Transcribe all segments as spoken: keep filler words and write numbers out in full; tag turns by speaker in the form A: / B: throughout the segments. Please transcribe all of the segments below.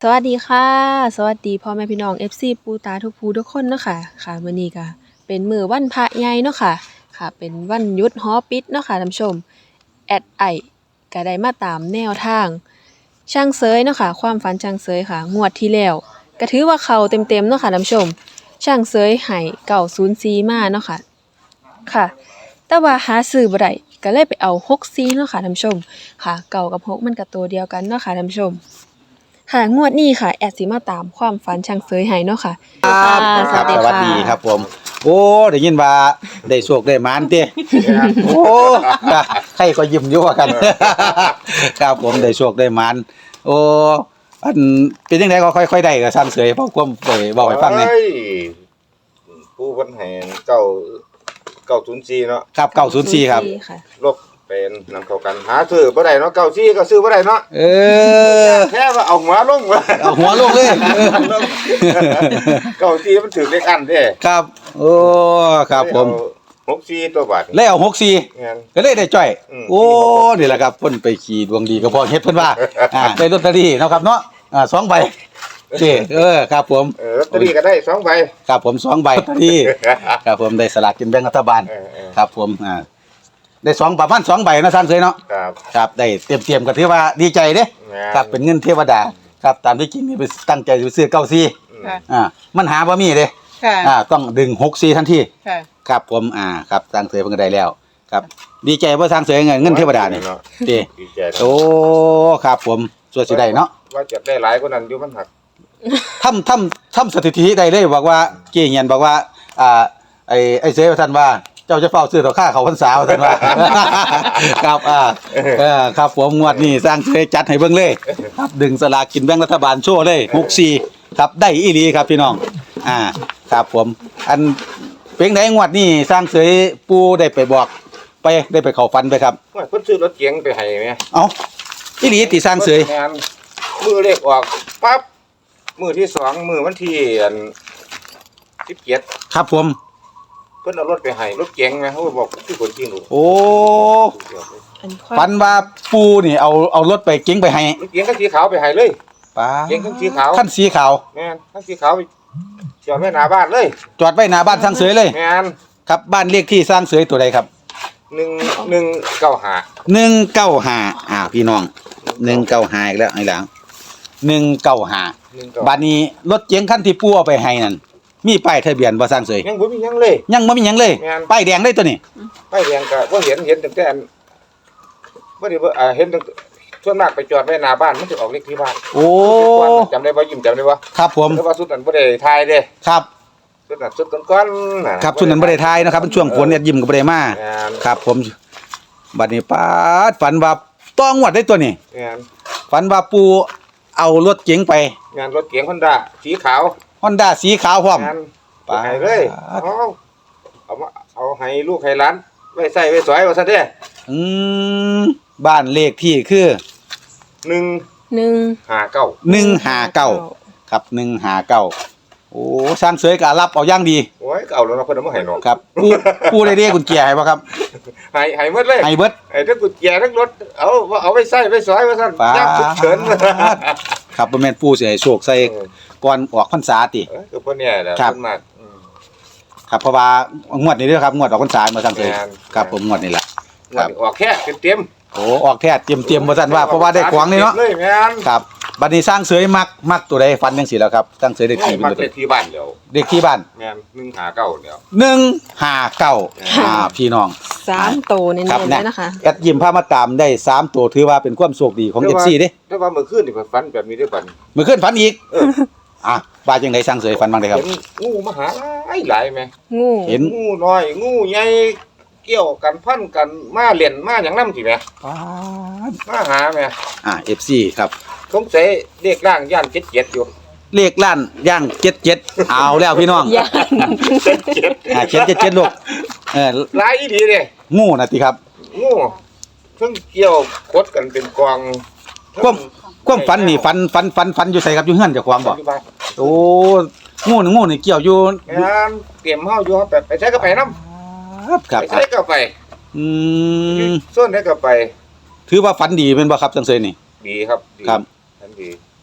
A: วัสดีค่ะสวัสดีพ่อแม่พี่น้อง เอฟ ซี ปู่ตาทุกผู้ทุกคนเนาะค่ะค่ะมื้อนี้ก็เป็นมื้อวันพระใหญ่เนาะค่ะค่ะเป็นวันหยุดหอปิดเนาะค่ะท่านผู้ชมแอดไอ้ก็ได้มาตามแนวทางช่างเสยเนาะค่ะความฝันช่างเสยค่ะงวดที่แล้วก็ถือว่าเข้าเต็มๆเนาะค่ะท่านผู้ชมช่างเสยให้เก้าศูนย์สี่มาเนาะค่ะค่ะแต่ว่าหาซื้อบ่ได้ก็เลยไปเอาหกสี่เนาะค่ะท่านผู้ชมค่ะเก้ากับหกมันก็ตัวเดียวกันเนาะค่ะท่านผู้ชม ค่ะงวดนี้ค่ะแอดสิมาตามความฝันช่างเสยให้เนาะค่ะ
B: ครับ
A: ส
B: ครั
A: วั
B: บ
A: สดี
B: สวัส
A: ค่ะ
B: ดีครับผม โอ้ได้ยินว่าได้โชคได้หมานติโอ้ใครก็ยิ้มอยู่ว่ากัน ครับผมได้โชคได้หมานโอ้อันเป็นจังไดก็ค่อยๆได้ก็สร้างเสยเพราะความไปเว้าให้ฟังแหน่
C: เฮ้ยผู้คนให้เก้าเก้าศูนย์สี่เนาะ
B: ครับเก้าศูนย์สี่ครับ
A: ค่ะ
C: ลบเป็นนำเข้ากันหาซื้อบ่ได้เนาะเก้าสี่ก็ซื้อบ่ได้เนาะ
B: เออ
C: แค่ว่าเอาหัวลงว่า
B: เอาหัวลงเลยเออ
C: เก้าสี่มันถึงเลขอันเด้
B: ครับโอ้ครับผม
C: หกสี่ตัวบาท
B: แล้วเอาหกสี่
C: งั้น
B: ก็เลยได้จ้อย
C: อืม
B: โอ้นี่แหละครับเพิ่นไปขี่ดวงดีก็พอเฮ็ดเพิ่นว่าอ่าได้ลอตเตอรี่เนาะครับเนาะอ่าสองใบเจ้เออครับผม
C: เออลอตเตอรี่ก็ได้สองใบ
B: ครับผมสองใบลอตเตอรี่ครับผมได้สลากกินแบ่งรัฐบาล
C: เออเออ
B: ครับผมอ่าได้สองประมาณสองใบนะท่านเคยเนาะ
C: ครับ
B: ครับได้เตรียมเตรียมๆก็ถือว่าดีใจเด้
C: แม่น
B: ครับเป็นเงินเทวดาครับตามที่จริงนี่ไปตั้งใจไปซื้อเก้าซี
C: อืม
A: ค่ะ
B: อ่ามันหาบ่มีเด้
A: ค่ะ
B: อ่าต้องดึงหกซีทันที
A: ค่ะ
B: ครับผมอ่าครับสร้างเสยเพิ่นก็ได้แล้วครับดีใจบ่สร้างเสยเงินเงินเทวดานี่
C: เนาะ
B: เด้
C: ดีใจเนาะ
B: โอ้ครับผมส่วนสิได้เนาะ
C: ว่าจะได้หลายกว่านั้นอยู่มันหัก
B: ทำทำทำสถิติได้เลยบอกว่าเกี่ยเงียนบอกว่าอ่าไอ้ไอ้เสยว่าท่านว่าเจ้าจะเฝ้าซื้อต่อค่าเขาพรรษาว่าท่านว่า ครับอ่าเออครับผมงวดนี้สร้างเสยจัดให้เบิ่งเลยครับดึงสลากกินแบ่งรัฐบาลโชว์เลยหกสี่ครับได้อีหลีครับพี่น้องอ่าครับผมอันเพลงไหนงวดนี้สร้างเสยปูได้ไปบอกไปได้ไปเข้าฝันไปครับ
C: ว่าเพิ่นซื้อรถเก๋งไปให้แม่
B: เอ้าอีหลีติสร้างเสย
C: แม่นมือเลขออกปั๊บมือที่สองมือวันที่อันสิบเจ็ด
B: ครับผม
C: เพิ่นเอารถไปให้รถเก๋งแม่เขาบอกคือคนจริงหนู
B: โอ้
A: อันความ
B: ฝันว่าปูนี่เอาเอารถไปเก๋งไปให้
C: รถเก๋งคันสีขาวไปให้เลย
B: ป้า
C: เก๋งคันสีขาว
B: ขั้นสีขาว
C: แม่นคันสีขาวไปจอดไว้หน้าบ้านเลย
B: จอดไว้หน้าบ้านสร้างเสยเลย
C: แม่น
B: ครับบ้านเลขที่สร้างเสยตัวใดครับ
C: หนึ่งหนึ่งเก้าห้า
B: หนึ่งเก้าห้าอ่าพี่น้องหนึ่งเก้าห้าอีกแล้วไอ้หลังหนึ่งเก้าห้า
C: หนึ่งเก้า
B: บ้านนี้รถเก๋งคันที่ปูเอาไปให้นั่นมีป้ายทะเบียนบ่สร้างเสย
C: ยังบ่มีหยังเลย
B: ยังบ่มีหยังเลย
C: แม่น
B: ป้ายแดงเลยตัวนี้
C: ไปเรียงก็บ่เห็นเห็นตั้งแต่อันบ่ได้บ่อ่าเห็นตั้งส่วนมากไปจอดไว้หน้าบ้านมันสิออกเลขที่บ้าน
B: โอ้
C: จำได้บ่ยิ้มจำได้บ่
B: ครับผม
C: แต่ว่าสุดนั้นบ่ได้ทายเด้
B: ครับ
C: สุดนั้นสุดก่อนๆน่ะ
B: ครับชุดนั้นบ่ได้ทายนะครับเป็นช่วงฝนเนี่ยยิ้มก็บ่ได้มา
C: แม่น
B: ครับผมบัดนี้ป้าดฝันว่าต้องงวดได้ตัวนี้
C: แม่น
B: ฝันว่าปูเอารถเก๋งไป
C: งานรถเก๋ง Honda สีขาว
B: Honda สีขาวพร้อม
C: งาน
B: ปาด
C: ให้เลยเอาเอามาเอาให้ลูกให้หลานไว้ใส่ไว้สอยว่าซั่นเด้
B: อืมบ้านเลขที่คือ
C: หนึ่ง
A: หนึ่ง
C: ห้าเก้า
B: หนึ่งห้าเก้าครับหนึ่งห้าเก้าโอ้สร้างเสยก็รับเอาอย่างดี
C: โอ้ยก็เอาแล้วเนาะเพิ่นเอามาให้น้อง
B: ครับปูปูได้เรียกกุญแจให้บ่ครับ
C: ให้ให้หมดเลย
B: ให้เบิด
C: ไอ้ทั้งกุญแจทั้งรถเอาเอาไว้ใส่ไว้สอยว่าซั่น
B: ปาด
C: ยามฉุกเฉิน
B: ครับบ่แม่นปูสิให้โชคใส่ก่อนออกพรรษาติ
C: เออคือเพิ่นเนี่ยแหละ
B: ครับ
C: เพิ่นมากอืม
B: ครับเพราะว่างวดนี้เด้อครับงวดออกพรรษามาสร้างเสย
C: แม่น
B: ครับผมงวดนี้ล่ะ ครับ
C: ออกแค่เต็ม
B: โอ้ออกแท้เตรียมๆบ่ซั่นว่าเพราะว่าได้ของนี่เนาะ
C: เลยแม่น
B: ครับบัดนี้สร้างเสยมักมักตัวใดฟันจังซี่แล้วครับสร้างเสยได้
C: ไม่
B: ที่เป็น
C: มัก
B: ตัว
C: เล
B: ใด
C: ขที่บ้านเดียว
B: เด็กที่บ้าน
C: แม่นหนึ่งหาเก้าเดียว
B: หนึ่งห้าเก้าอ่าพี่น้อง
A: สามโตเน้น
B: ครับ
A: ๆเลยนะคะ
B: แอดยิมพามาตามได้สามตัวถือว่าเป็นความโชคดีของ
C: แต่
B: เอฟ
C: ว่า
B: ซีเด้
C: แต่ว่าเมื่อคืนนี่ก็ฝันแบบนี้ได้บัดนี้
B: เมื่อคืนฝันอีก
C: เออ
B: อ่ะว่าจังไดสร้างเสยฝันบ้างได้ครับ
C: เห็นงูมาหาหลายหลายแม่
A: งู
B: เห็น
C: งูน้อยงูใหญ่เกี่ยวกันพันกันมาเล่นมาหยังนำสิแม่มาหาแม่
B: อ่าเอฟซีครับ
C: สงสัยเลขร่างย่านเจ็ดเจ็ดอยู่
B: เลขล้านย่างเจ็ดเจ็ดเอาแล้วพี่น้อง
A: ย่าง
C: เจ็ดเจ็ด
B: อ่าเจ็ดเจ็ดเจ็ดลูกเออ
C: หลายอีดีเด้
B: งูนะติครับ
C: งูเพิ่งเกี่ยวคดกันเป็นกอง
B: ความความฝันนี่ฝันฝันฝันฝันอยู่ใส่ครับอยู่เฮือนเจ้าของบ่
C: อยู่บ้าน
B: โอ้งูนี่งูนี่เกี่ยวอยู่
C: งานเตรียมเฮาอยู่เฮาไปไปใช้ก็ไปนำ
B: ครับครับ
C: ไปใช้ก็ไป
B: อืม
C: ส่วนได้ก็ไป
B: ถือว่าฝันดีเป็นบ่ครับสร้างเสยนี่
C: ดีครับดี
B: ครับ
C: ทันดี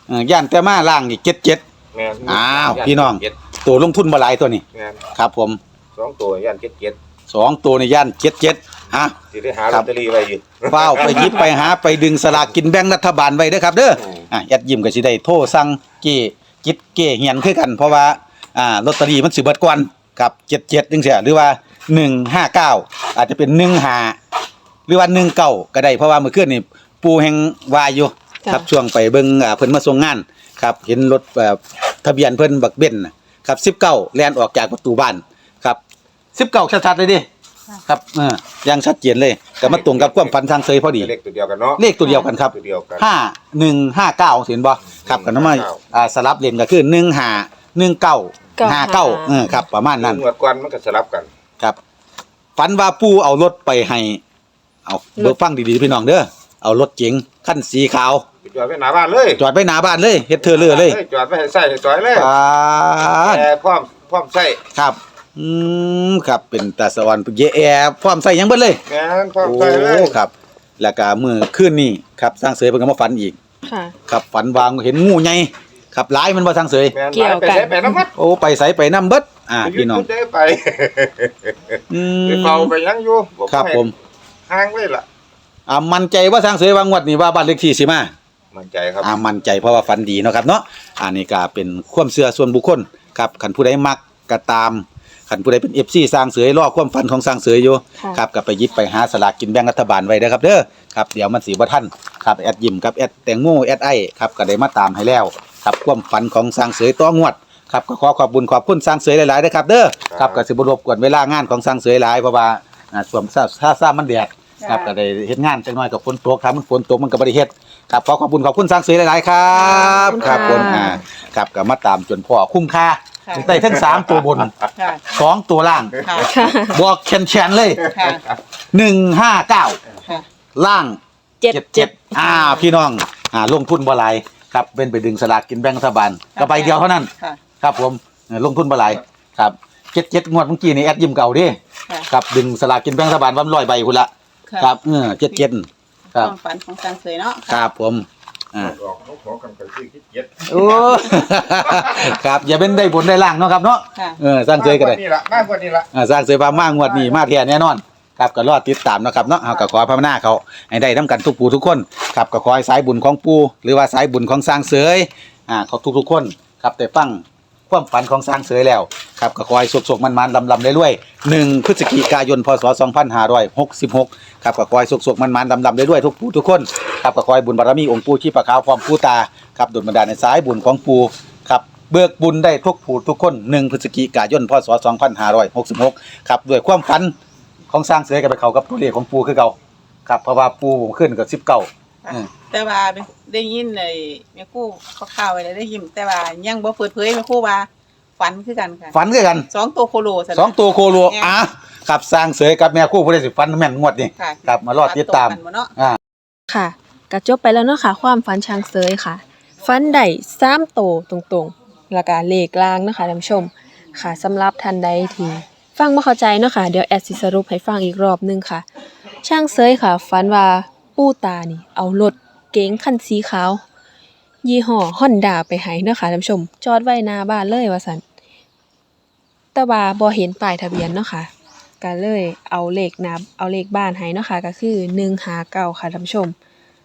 B: เออย่านแต่มาล่างนี่เจ็ดเจ็ด
C: แม่น
B: อ้าวพี่น้อง
C: เจ็ด
B: ตัวลงทุนบ่หลายตัวนี้
C: แม่น
B: ครับผม
C: สองตัวย่านเจ็ดเจ็ด
B: สองตัวในย่านเจ็ดเจ็ดฮะ
C: สิได้หา
B: ค
C: ล
B: รั
C: อบ ตเตอรี่ไว้อยู่
B: เฝ้าไปหยิบไปหาไปดึงสลากกินแบ่งรัฐบาลไว้เด้อครับเด้อ
C: อืม
B: อ่ะแอดยิ้มก็สิได้โทรสั่งเก้จิตเก้เหียนคือกันเพราะว่าอ่าลอตเตอรี่มันสิเบิดก่อนครับเจ็ดเจ็ดจังซี่หรือว่าหนึ่งห้าเก้าอาจจะเป็นหนึ่งห้าหรือว่าหนึ่งเก้าก็ได้เพราะว่าเมื่อคืนนี่ปู่แห่งวายอยู่
A: ค่ะ
B: ครับช่วงไปเบิ่งอ่าเพิ่นมาส่งงานครับเห็นรถแบบทะเบียนเพิ่นบักเบนซ์น่ะครับสิบเก้าแล่นออกจากประตูบ้านครับสิบเก้าชัดๆเลยดิครับเออยังชัดเจนเลยก็มาตรงกับความฝันทางเซยพอดี
C: เลขตัวเดียวกันเนาะ
B: เลขตัวเดียวกันครับ
C: ตัวเดียวกัน
B: ห้าหนึ่งห้าเก้าเห็นบ่ครับกันน้ำมาอ่าสลับเลนก็คือหนึ่งห้าหนึ่งเก้าห้าเก้าเออครับประมาณนั้น
C: งวดก่อนมันก็สลับกัน
B: ครับฝันว่าปู่เอารถไปให้เอาเบิกฟังดีๆพี่น้องเด้อเอารถเก๋งคันสีขาว
C: ไปจอดไว้หน้าบ้านเลย
B: จอดไว้หน้าบ้านเลยเฮ็ดเธอเลือเลย
C: จอดไว้ให้ใส่ให้จอยเลย
B: อ่า
C: แต่พร้อมพร้อมใส่
B: ครับอืมครับเป็นตาสวรรค์เยแอพร้อมใส่หยังเบิดเลย
C: แม่นพร้อม
B: โอ้
C: ใส่เลย
B: ครับ แล้วก็มื้อคืนนี้ครับสร้างเสยเพิ่นก็มาฝันอีก
A: ค่ะ
B: ครับฝันวางเห็นงูใหญ่ครับหลายมันบ่สร้างเสย
C: แม่น
A: เกี่ยวกัน
C: ไปใส่ไปน้ำมัด
B: โอ้ไปไสไปนํเบิดอ่า
C: ไป
B: พี่น้อง
C: ยุดได้ไป
B: อื
C: ไป
B: ม
C: เฝ้าไปยังอยู่
B: ครับผม
C: ห่างไว้ล่ะ
B: อ่ามั่นใจว่าสร้างเสยว่างวดนี้ว่าบ้านเลขที่สิมา
C: มั่นใจครับ
B: อ่ามั่นใจเพราะว่าฝันดีเนาะครับเนาะอันนี้ก็เป็นความเชื่อส่วนบุคคลครับคันผู้ใดมักก็ตามคันผู้ใดเป็น เอฟ ซี สร้างเสยรอความฝันของสร้างเสยอยู่
A: ค่ะ
B: ครับก็ไปหยิบไปหาสลากกินแบ่งรัฐบาลไว้เด้อครับเด้อครับเดี๋ยวมันสิบ่ทันครับแอดยิ้มกับแอดแตงโมแอดไอครับก็ได้มาตามให้แล้วครับความฝันของสร้างเสยต่องวดครับก็ขอขอบคุญขอบคุณสร้างเสยหลายๆเด้อครับเด้อครับก็สิบ่รบกวนเวลางานของสร้างเสยหลายเพราะว่าอ่าช่วงถ้าซ่ามันแดดครับก็ได้เฮ็ดงานจักหน่อยกับฝนตกครับมันฝนตกมันก็บ่ได้เฮ็ดครับขอขอบคุณขอบคุณสร้างเสยหลายๆครับ
A: ขอบคุณ
B: ค
A: ค่ะ
B: รับผมอ่าครับก็มาตามจนพ่อคุ้มค่า
D: ค่ะ
B: ได้ทั้งสามตัวบน
D: ค่ะ
B: สองตัวล่าง
D: ค่ะ
A: ค่ะ
B: บอกแคนๆเลย
D: ค่ะ
B: หนึ่งห้าเก้า
D: ค่ะ
B: ล่าง
A: เจ็ดเจ็ด
B: อ่าพี่น้องอ่าลงทุนบ่หลายครับเป็นไปดึงสลากกินแบ่งรัฐบาลก็ใบเดียวเท่านั้น
D: ค่ะ
B: ครับผมเออลงทุนบ่หลายครับเจ็ดเจ็ดงวดเมื่อกี้นี่แอดยิ้มเก่าเดิ
D: ค่ะ
B: ครับดึงสลากกินแบ่งรัฐบาลวันร้อยใบคุณละ
D: ค่ะ
B: ครับเออเจ็ดเจ็ดค
D: ค
B: รั
D: วา
B: บ
D: มฝันของสังเสยเนาะ
B: ครับผมอ่า
C: ออกเขาขอกันไปซื้อคิดเย็ด
B: โอ้ ครับอย่าเป็นได้ผลได้ล่างเนาะครับเนาะ
D: ค่ะ
B: เออสร้างเสยก็ได้
C: มากกว่านี่ละมากกว่านี่ละ
B: อ่าสร้างเสยฟ้ามางวดนี้มาแท้แน่นอนครับก็รอติดตามเนาะครับเนาะเฮาก็ขอพระนาเขาให้ได้นํกันทุกผู้ทุกคนครับก็ขอให้สายบุญของปู่หรือว่าสายบุญของสร้างเสยอ่าเขาทุกๆคนครับได้ฟังความฝันของสร้างเสยแล้วครับก็ขอให้สุขๆมันๆลำๆรวยๆหนึ่งพฤศจิกายนพศสองพันห้าร้อยหกสิบหกครับก็ขอให้สุขๆมันๆลำๆรวยๆทุกผู้ทุกคนครับก็ขอให้บุญบารมีองค์ปู่ชีพขาวพร้อมปู่ตาครับดลบันดาลในสายบุญของปู่ครับเบิกบุญได้ทุกผู้ทุกคนหนึ่งพฤศจิกายนพศสองพันห้าร้อยหกสิบหกครับด้วยความฝันของสร้างเสยกันไปเขากับตัวเลขของปู่คือเก่าครับเพราะว่าปู่ขึ้นกับสิบเก้า
D: ค่ะแต่ว่าได้ยินไอ้แม่ครู่ข่าวๆไว้แล้วได้ยินแต่ว่ายังบ่เปิดเผยแม่ครู่ว่าฝันคือกันค่ะ
B: ฝันคือกัน
D: สองตัวโคโลซะนะ
B: สองตัวโคโลอ่ะครับสร้างเสยกับแม่คู่ผู้ใดสิฝันแม่นงวดนี่
D: ค่ะ
B: ครับมารอติดตาม
D: ฝันบ่เนาะ
B: อ่า
A: ค่ะก็จบไปแล้วเนาะค่ะ ความฝันช้างเซยค่ะ ฝันได้สามโตวตรงๆ แล้วก็เลขกลางเนาะค่ะท่านผู้ชม ค่ะสำหรับท่านใดที่ฟังบ่เข้าใจเนาะค่ะ เดี๋ยวแอดสิสรุปให้ฟังอีกรอบหนึงค่ะ ช่างเซยค่ะ ฝันว่าปู่ตานี่ เอารถเก๋งคันสีขาว ยี่ห้อ Honda ไปให้เนาะค่ะท่านผู้ชม จอดไว้หน้าบ้านเลยว่าซั่นแต่ว่าบ่เห็นป้ายทะเบียนเนาะค่ะ ก็เลยเอาเลขนับเอาเลขบ้านให้เนาะค่ะก็คือหนึ่งห้าเก้าค่ะท่านผู้ชม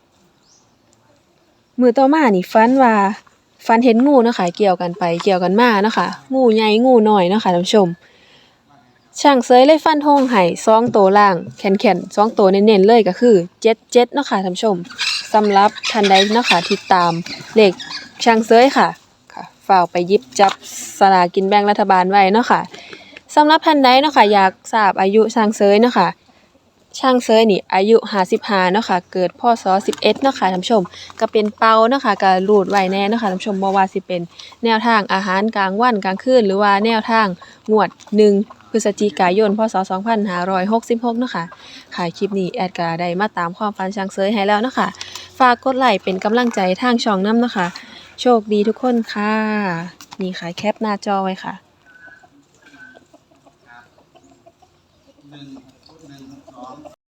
A: มื้อต่อมานี่ฝันว่าฝันเห็นงูเนาะค่ะเกี่ยวกันไปเกี่ยวกันมาเนาะค่ะงูใหญ่งูน้อยเนาะค่ะท่านผู้ชม ช่างเสยเลยฟันธงให้สองตัวล่างแข็งๆสองตัวเน้นๆเลยก็คือเจ็ดเจ็ดเนาะค่ะท่านผู้ชมสำหรับท่านใดเนาะค่ะที่ตามเลขช่างเสยค่ะค่ะฝากไปหยิบจับสลากกินแบ่งรัฐบาลไว้เนาะค่ะ สำหรับท่านใดเนาะค่ะอยากทราบอายุช่างเสยเนาะค่ะช่างเสยนี่อายุห้าสิบห้าเนาะค่ะเกิดพศสิบเอ็ดเนาะค่ะท่านผู้ชมก็เป็นเปาเนาะค่ะก็รูดไว้แน่เนาะค่ะท่านผู้ชมบ่ว่าสิเป็นแนวทางอาหารกลางวันกลางคืนหรือว่าแนวทางงวดหนึ่งพฤศจิกายนพศสองพันห้าร้อยหกสิบหกเนาะค่ะค่ะคลิปนี้แอดก็ได้มาตามความฝันช่างเสยให้แล้วเนาะค่ะฝากกดไลค์เป็นกำลังใจทางช่องนำเนาะค่ะโชคดีทุกคนค่ะนี่ค่ะแคปหน้าจอไว้ค่ะ